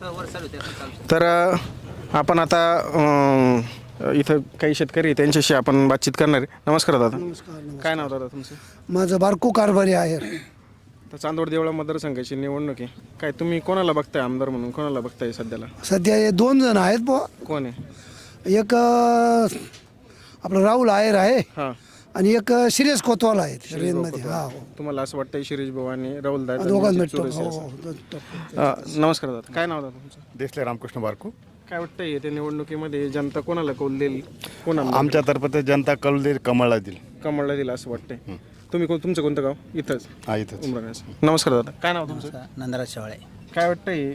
तर आपण आता इथं काही शेतकरी आहे, त्यांच्याशी आपण बातचीत करणार आहे. नमस्कार दादा. काय नाव दादा तुमचं? माझं बारकू कारभारी आहे. तर चांदवड देवळा मतदारसंघाची निवडणूक आहे. काय तुम्ही कोणाला बघताय आमदार म्हणून, कोणाला बघताय सध्याला? सध्या हे 2 जण आहेत बुवा. कोण आहे? एक आपलं राहुल आयर आहे हां, आणि एक शिरीष कोतवाल आहेत रेंजमध्ये. हा हो. तुम्हाला असं वाटतंय शिरीष भाऊ आणि राहुल दादा दोघांना यांची भेटतो. चुरस हो, आहे हो, असं? नमस्कार दादा. काय नाव दादा तुमचं? देसले रामकृष्ण बारकू. काय वाटतंय त्या निवडणुकीमध्ये जनता कोणाला कौल देईल, कोणाला आमच्या तर्फे जनता कल देईल, कमळला देईल. कमळला दिला असं वाटतंय? तुम्ही तुमचं कोणतं गाव? इथंच हा इथंच. उमराण्यास. नमस्कार दादा. काय नाव तुमचं? नंदराज शेवाळे. काय वाटतंय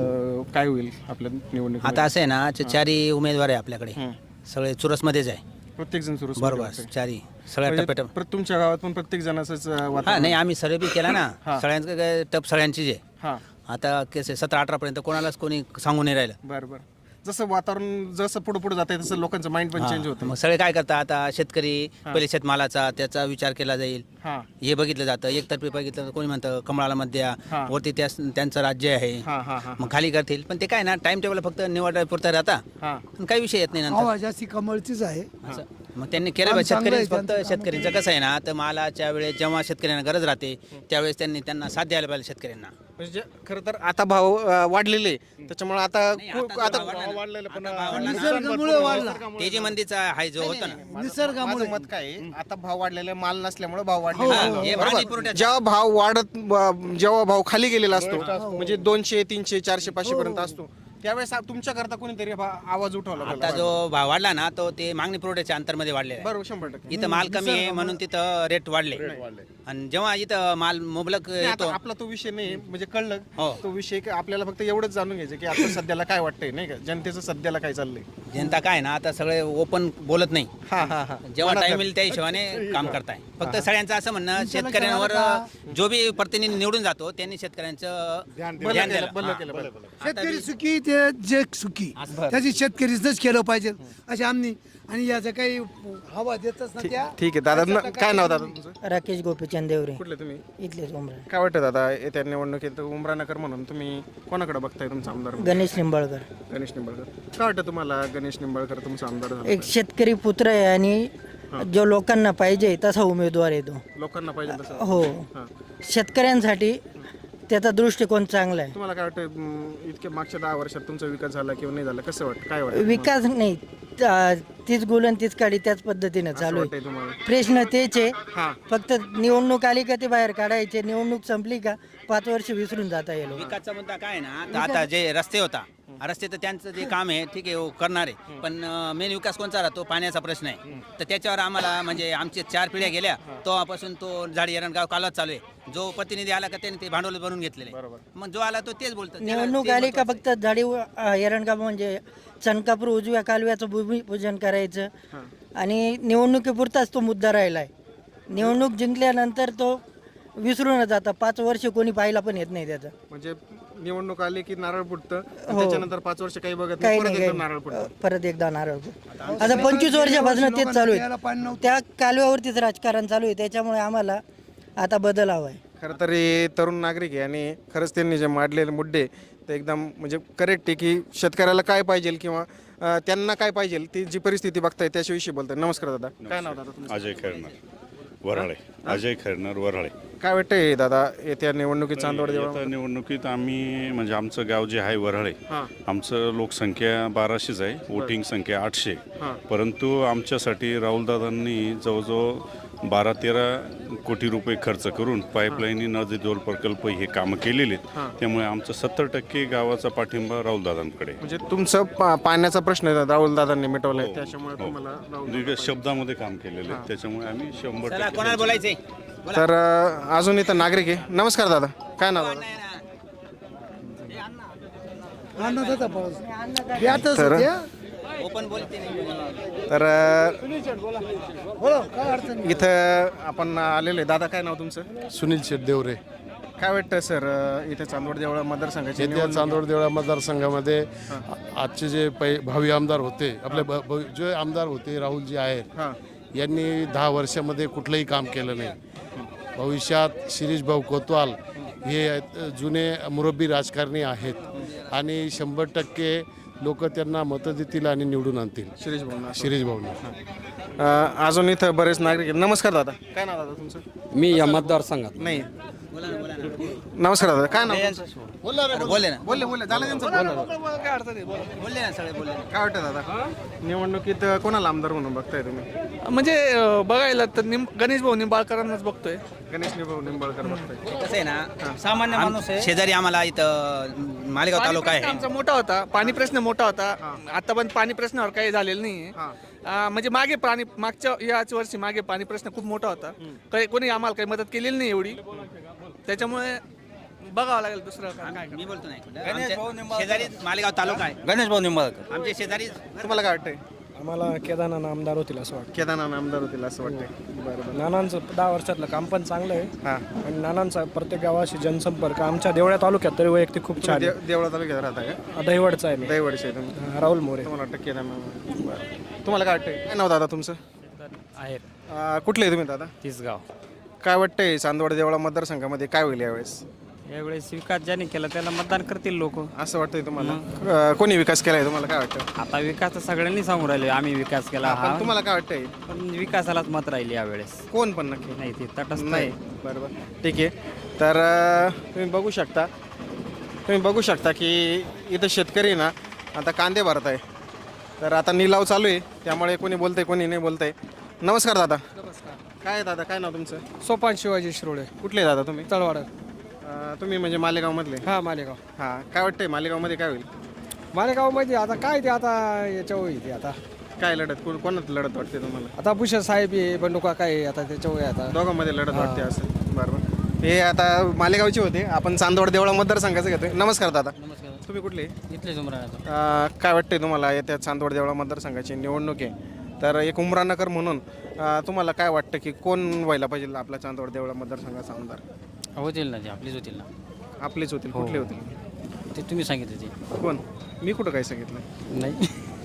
काय होईल आपल्या निवडणुकीत? आता असं आहे ना, चारही उमेदवार आहे आपल्याकडे, सगळे चुरसमध्येच आहे. प्रत्येक जण सुरू बरोबर, चारही सगळ्या टप्प्याटप. तुमच्या गावात पण प्रत्येक जणाचंच हा नाही, आम्ही सर्वे बी केला ना, सगळ्यांचं काय टप सगळ्यांचीच आहे. हां, आता केस 17-18 पर्यंत कोणालाच कोणी सांगून नाही राहिलं. बरं बरं. जसं वातावरण जसं पुढे जात आहे तसं लोकांचं माइंड पण चेंज होतं. मग सगळे काय करतात आता, शेतकरी पहिले शेतमालाचा त्याचा विचार केला जाईल, हां हे बघितलं जातं. एकतर्फी बघितलं तर कोणी म्हणतं कमळाला मत द्या, वरती त्यांचं राज्य आहे, हां हां हां मग खाली करतील. पण ते काय ना, टाइम टेबल फक्त निवडापुरता राहता, हां. पण काही विषय येत नाही नंतर. हवा जास्ती कमळचीच आहे. असं मग त्यांनी केलं काम पाहिजे. चांगलं आहे, शेतकरी फक्त त्यांचं काम शेतकऱ्यांचं कसं आहे ना, तर मालाच्या वेळेस जेव्हा शेतकऱ्यांना गरज राहते त्यावेळेस त्यांना साथ द्यायला पाहिजे शेतकऱ्यांना. म्हणजे खरं तर आता भाव वाढलेले, त्याच्यामुळे आता आता भाव वाढलेलं पण निसर्गामुळे वाढला. तेजी मंदीचा हाय जो होता ना, निसर्गामुळे माझं मत काय आहे, आता भाव वाढलेला माल नसल्यामुळे भाव हा, वाढलेला हे बरोबर. पाणी पुरवठ्याचं. जेव्हा भाव जेव्हा भाव खाली गेलेला असतो, म्हणजे 200, 300, 400, 500 पर्यंत असतो, त्यावेळेस तुमच्याकरता कोणीतरी आवाज उठवला आता पाहिजे. जो भाव वाढला ना, तो ते मागणी पुरवठ्याच्या अंतरमध्ये वाढलेला आहे. बरोबर, 100%. इथं माल कमी आहे म्हणून तिथं रेट वाढले, आणि जेव्हा इथं माल मुबलक नाही, येतो. आता आपला तो विषय नाही, म्हणजे कळलं हो. तो विषय की आपल्याला फक्त एवढंच जाणून घ्यायचं की आता सध्याला काय वाटतंय, नाही का, जनतेचं सध्याला काय चाललंय. जनता काय ना, आता सगळे ओपन बोलत नाही. हा हा हा. जेव्हा टाइम येईल त्या हिशोबाने काम करताय. फक्त सगळ्यांचं असं म्हणणं, शेतकऱ्यांवर जो बी प्रतिनिधी निवडून जातो त्यांनी शेतकऱ्यांचं ध्यान द्यायला. बंद केलं हा. पाहिजे. शेतकरी सुखी ते जे सुखी, त्याची शेतकरीच केलं पाहिजे असे आम्ही. आणि याचं काही हवा देतच ना त्या. ठीक आहे दादा. काय नाव दादा तुमचं? राकेश गोपीचंद देवरे, कुठले तुम्ही? इथलेच उमरा. काय वाटतं दादा, येत्या निवडणुकीत उमरानगर म्हणून तुम्ही कोणाकडे बघताय तुमचा आमदार म्हणून? गणेश निंबाळकर. गणेश निंबाळकर. काय वाटतं तुम्हाला गणेश निंबाळकर तुमचा आमदार झाला एक शेतकरी पुत्र आहे आणि जो लोकांना पाहिजे तसा उमेदवार आहे तो. लोकांना पाहिजे तसं? हो, हां. शेतकऱ्यांसाठी त्याचा दृष्टिकोन चांगला आहे. तुम्हाला काय वाटतं, इतक्या मागच्या 10 वर्षात तुमचा विकास झाला किंवा नाही झाला, कसं वाटतं, काय वाटतं? विकास नाही, तीच गुलन तीच काढी त्याच पद्धतीने चालू आहे. वाटतंय तुम्हाला? प्रश्न तेच आहे, हां. फक्त निवडणूक आली का ते बाहेर काढायचे, निवडणूक संपली का 5 वर्ष विसरून जाता येईल. विकासचा मुद्दा काय आहे ना, तर आता जे रस्ते होता, रस्ते तर त्यांचं जे काम आहे ठीक आहे, हो, करणार आहे. पण मेन विकास कोणचा राहतो? पाण्याचा प्रश्न आहे. तर त्याच्यावर आम्हाला म्हणजे आमचे 4 पिढ्या गेल्या तेव्हापासून तो झाडी एरणगाव कालच चालू आहे. जो प्रतिनिधी आला का त्याने ते भांडवल बनवून घेतलेले, मग जो आला तो तेच बोलतो. निवडणूक आली का फक्त झाडी एरणगाव म्हणजे चनकापूर उजव्या कालव्याचं भूमिपूजन करायचं आणि निवडणुकीपुरताच तो मुद्दा राहिला आहे. निवडणूक जिंकल्यानंतर तो विसरून जाता. 5 वर्ष कोणी पाहिला पण येत नाही त्याचं. म्हणजे निवडणूक आली की नारळ फुटतं, त्याच्यानंतर 5 वर्ष काही बघत काही नाही, परत नाही, एकदा नारळ फुटतं. परत एकदा नारळ. आता 25 वर्षापासून तेच चालू आहे. त्या कालव्यावरतीच राजकारण चालू आहे. त्याच्यामुळे आम्हाला आता बदल हवा आहे. खरं तर हे तरुण नागरिक आहे आणि खरंच त्यांनी जे मांडलेले मुद्दे ते एकदम म्हणजे करेक्ट आहे की शेतकऱ्याला काय पाहिजे किंवा त्यांना काय पाहिजे, ती जी परिस्थिती बघताय त्याच्याविषयी बोलताय. नमस्कार दादा. काय नाव दादा तुमचं? अजय खैरनार वऱ्हाळे. अजय खैरनार वऱ्हाळे. काय वाटतंय दादा, येत्या निवडणुकीत चांदवड आता निवडणुकीत आम्ही म्हणजे आमचं गाव जे आहे वऱ्हाळे, हां. आमचं लोकसंख्या 1200 आहे, वोटिंग संख्या 800. परंतु आमच्यासाठी राहुलदादांनी जवळजवळ 12-13 कोटी रुपये खर्च करून पाईपलाईनी नदी जोड प्रकल्प हे कामं केलेले आहेत. त्यामुळे आमचं 70% गावाचा पाठिंबा राहुलदादांकडे. म्हणजे तुमचं पाण्याचा प्रश्न आहे राहुल दादांनी मिटवलाय, त्याच्यामुळे तुम्हाला दीर्घ शब्दामध्ये काम केलेलं आहे, त्याच्यामुळे आम्ही 100% कोणाला बोलायचंय? तर अजून इथं नागरिक आहे. नमस्कार दादा. काय नाव दादा? अन्नदाता पाऊस यातच तर- होत्या. ओपन बोलते नाही. तर बोला, काय अडचण नाही. इथं आपण आलेलो आहे. दादा काय नाव तुमचं? सुनील शेठ देवरे. काय वाटतं सर, इथे चांदवड देवळा मतदारसंघाची येत्या निवडणूक चांदवड देवळा मतदारसंघामध्ये आजचे जे भावी आमदार होते, आपले जे आमदार होते राहुलजी आहेत, हां. यांनी 10 वर्षामध्ये कुठलंही काम केलं नाही. भविष्यात शिरीष भाऊ कोतवाल हे जुने मुरब्बी राजकारणी आहेत आणि 100% लोक त्यांना मतं देतील आणि निवडून आणतील. शिरीष भाऊ शिरीष भाऊंना. अजून इथं बरेच नागरिक आहेत. नमस्कार दादा, काय नाव दादा तुमचं? मी या मतदारसंघात नाही, नमस्कार दादा, काय नाव तुमचं? बोलले ना बोलले झालं त्यांचं बोलले ना सगळे बोलले. काय वाटतं दादा, निवडणुकीत कोणाला आमदार म्हणून बघताय तुम्ही? म्हणजे बघायला तर गणेश भाऊ निंबाळकरांनाच बघतोय. गणेश निंबाळकर बघताय. कसं आहे ना, सामान्य माणूस आहे. शेजारी आम्हाला इथं मालेगाव तालुका आहे. आमचा मोठा होता, पाणी प्रश्न मोठा होता. आता पण पाणी प्रश्नावर काही झालेलं नाही. म्हणजे मागे मागच्या याच वर्षी मागे पाणी प्रश्न खूप मोठा होता. कोणी आम्हाला काही मदत केलेली नाही एवढी, त्याच्यामुळे बघावं लागेल दुसरं काय. मी बोलतो नाही, आमच्या शेजारी मालेगाव तालुका आहे. गणेश भाऊ निंबाळकर. आमच्या शेजारी तुम्हाला काय वाटतंय? आम्हाला केदारनाथ आमदार होतील असं वाटतं. केदारनाथ आमदार होतील असं वाटतंय. बरोबर. नानांचं 10 वर्षातलं काम पण चांगलं आहे हां, आणि नानांचा प्रत्येक गावाशी जनसंपर्क आमच्या देवळ्या तालुक्यात तरी वैयक्तिक खूप छान आहे. देवळा तालुक्यात राहता का? दहिवडचा आहे मी. दैवडचे आहे तुम्ही. राहुल मोरे तुम्हाला वाटतं केदारनाथ. बरं. तुम्हाला काय वाटतंय? काय नाव दादा तुमचं? आहे कुठले आहे तुम्ही दादा? तिसगाव. काय वाटतंय चांदवड देवळा मतदारसंघामध्ये काय होईल यावेळेस? यावेळेस विकास ज्याने केला त्याला मतदान करतील लोक. असं वाटतंय तुम्हाला? कोणी विकास केलाय तुम्हाला काय वाटतं? आता विकास तर सगळ्यांनी सांगून राहिले आम्ही विकास केला. पण तुम्हाला काय वाटतंय? पण विकासालाच मत राहिली यावेळेस. कोण पण नक्की? नाही ते तटस्थ नाही. आहे. बरोबर, ठीक आहे. तर तुम्ही बघू शकता की इथं शेतकरी ना आता कांदे भरत आहे. तर आता निलाव चालू आहे, त्यामुळे कोणी बोलतंय कोणी नाही बोलतंय. नमस्कार दादा. काय दादा, काय नाव तुमचं? सोपान शिवाजी शिरोळे, कुठले दादा तुम्ही? तळवाडा. तुम्ही म्हणजे मालेगावमधले? हा, मालेगाव. हां, काय वाटतंय मालेगावमध्ये काय होईल? मालेगावमध्ये आता काय ते आता याच्यावर येते आता काय लढत कोणात लढत वाटते तुम्हाला? आता भूषण साहेब आहे, बंडुका काय आहे, आता त्याच्यावर आता दोघांमध्ये लढत वाटते असं. बरोबर. हे आता मालेगावचे होते, आपण चांदवड देवळा मतदारसंघाचं घेतोय. नमस्कार दादा. नमस्कार. तुम्ही कुठले? इथलेच उमराण्याचं. काय वाटतंय तुम्हाला येत्या चांदवड देवळा मतदारसंघाची निवडणूक आहे, तर एक उमरानकर म्हणून तुम्हाला काय वाटतं की कोण व्हायला पाहिजे आपला चांदवड देवळा मतदारसंघाचा आमदार? होतील ना ते आपलीच होतील ना. आपलेच होतील? कुठले होतील? ते तुम्ही सांगितले ते. कोण? मी कुठं काय सांगितलं? नाही.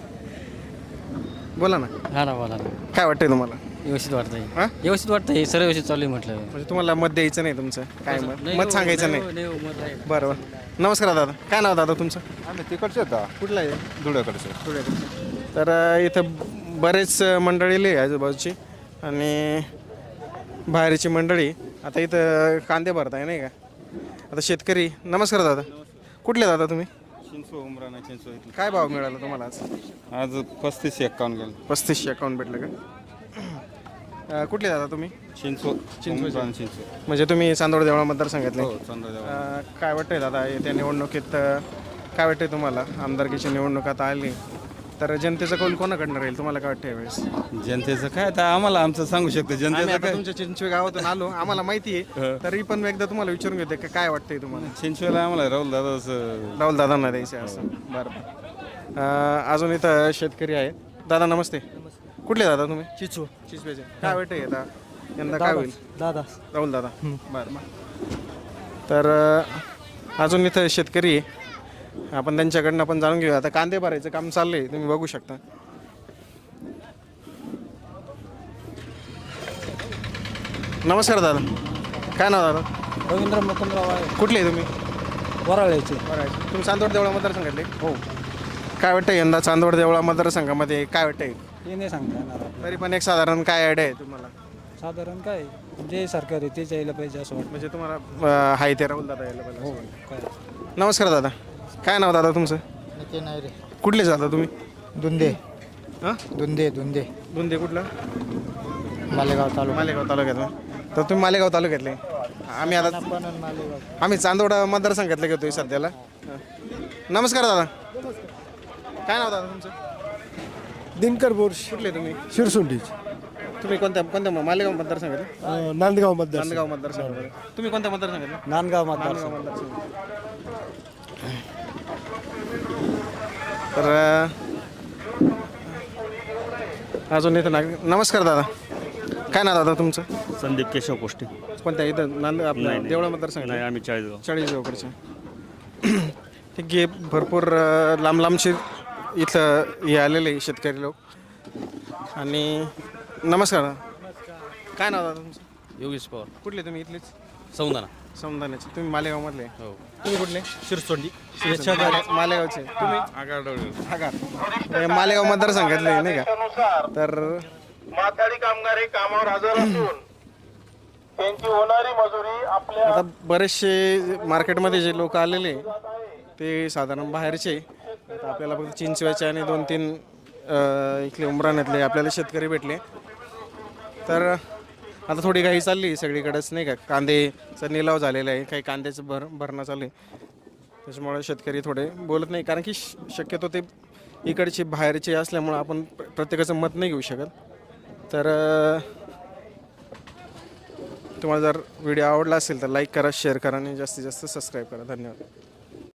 बोला ना, हा ना, बोला ना. काय वाटतंय तुम्हाला? व्यवस्थित वाटतंय. हां, व्यवस्थित वाटतंय, सर्व व्यवस्थित चालू आहे म्हटलं. म्हणजे तुम्हाला मत द्यायचं नाही तुमचं? काय मत सांगायचं नाही? मत आहे. बरोबर. नमस्कार दादा, काय नाव दादा तुमचं? आम्ही तिकडचे होता कुठलं आहे? धुळ्याकडचे. धुळ्याकडचं. तर इथं बरेच मंडळी आहे आजूबाजूची आणि बाहेरची मंडळी. आता इथं कांदे भरताय नाही का? आता शेतकरी. नमस्कार दादा, कुठले दादा तुम्ही? चिंचो उमराणा चिंचो. काय भाव मिळाला तुम्हाला आज? आज 35-51 गेलं. 3500 अकाउंट भेटलं का? कुठले दादा तुम्ही? चिंचो. उमराणा चिंचो. म्हणजे तुम्ही चांदवड देवळा मतदारसंघातले. हो, चांदोदेव. काय वाटतंय दादा येत्या निवडणुकीत काय वाटतंय तुम्हाला? आमदारकीची निवडणूक आता आली, तर जनतेचा कौल कोणाकडनं राहील तुम्हाला काय वाटतं यावेळेस? जनतेचं काय आता आम्हाला आमचं सांगू शकतो. आम्ही जनतेचं आता काय तुमच्या चिंचवे गावातून आलो, आम्हाला माहिती आहे, तरी पण मी एकदा तुम्हाला विचारून घेते की काय वाटतंय तुम्हाला? चिंचवेला आम्हाला राहुल दादाचं. राहुल दादांना द्यायचं असं. बरं. अजून इथं शेतकरी आहेत. दादा नमस्ते. कुठले दादा तुम्ही? चिचवेचे. काय वाटतंय आता यंदा काय होईल? दादा. राहुल दादा. बरं. तर अजून इथं शेतकरी आहे, आपण त्यांच्याकडनं पण जाणून घेऊया. आता कांदे भरायचं काम चाललंय, तुम्ही बघू शकता. नमस्कार दादा, काय नाव दादा? रवींद्र मुकुंदराव आहे, कुठले तुम्ही? वराळ्याचे. बरं. तुम्ही चांदवड देवळा मतदारसंघातले? हो. काय वाटतं यंदा चांदवड देवळा मतदारसंघामध्ये काय वाटतंय? हे नाही सांगता येणार. तरी पण एक साधारण काय आयडिया आहे तुम्हाला? साधारण काय जे सरकार आहे तेच यायला पाहिजे असं वाटतं. म्हणजे तुम्हाला हाय ते राहुल दादा यायला पाहिजे असं वाटतं. काय नमस्कार दादा, काय नाव दादा तुमचं? नाही रे. कुठले जाता तुम्ही? दुंदे. हां, दुंदे. बुंदे. कुठलं? मालेगाव तालुका. मालेगाव तालुक्यातलं. तर तुम्ही मालेगाव तालुक्यातले. आम्ही आता आम्ही चांदवड मतदारसंघातले घेतोय सध्याला. नमस्कार दादा, काय नाव दादा तुमचं? दिनकर बोर्श, कुठले तुम्ही? शिरसुंडी. तुम्ही कोणत्या मालेगाव मतदारसंघातले? नांदगाव मतदार. नांदगाव मतदारसंघातले. तुम्ही कोणत्या मतदारसंघातले? नांदगाव मतदार. नांदगाव मतदारसंघ. तर अजून इथं नमस्कार दादा, काय नाव दादा तुमचं? संदीप केशव कोष्टे. कोणत्या इथं आपल्या देवळा मतदारसंघ? नाही, आम्ही 40 जवळकडचे. ठीक आहे. भरपूर लांब लांबचे इथं हे आलेले शेतकरी लोक. आणि नमस्कार दादा, काय नाव दादा तुमचं? योगेश पवार. कुठले तुम्ही? इथलेच? सौंदाना. समदानाचे. तुम्ही मालेगावमधले? हो. तुम्ही कुठले? शिरसोंडी. मालेगावचे तुम्ही आगार मालेगाव मतदारसंघातले नाही का तर माथाडी कामगार हे कामावर हजर असून त्यांची होणारी मजुरी आपल्या आता बरेचसे मार्केटमध्ये जे लोक आलेले ते साधारण बाहेरचे आता आपल्याला फक्त चिंचव्याचे आणि 2-3 इथले उमराण्यातले आपल्याला शेतकरी भेटले तर आता थोडी घाई चालली सगळीकडेच नाही का कांद्याचा निलाव झालेला आहे काही कांद्याचं भरणं चालू आहे त्याच्यामुळे शेतकरी थोडे बोलत नाही कारण की शक्यतो ते इकडचे बाहेरचे असल्यामुळं आपण प्रत्येकाचं मत नाही घेऊ शकत तर तुम्हाला जर व्हिडिओ आवडला असेल तर लाईक करा शेअर करा आणि जास्तीत जास्त सबस्क्राईब करा धन्यवाद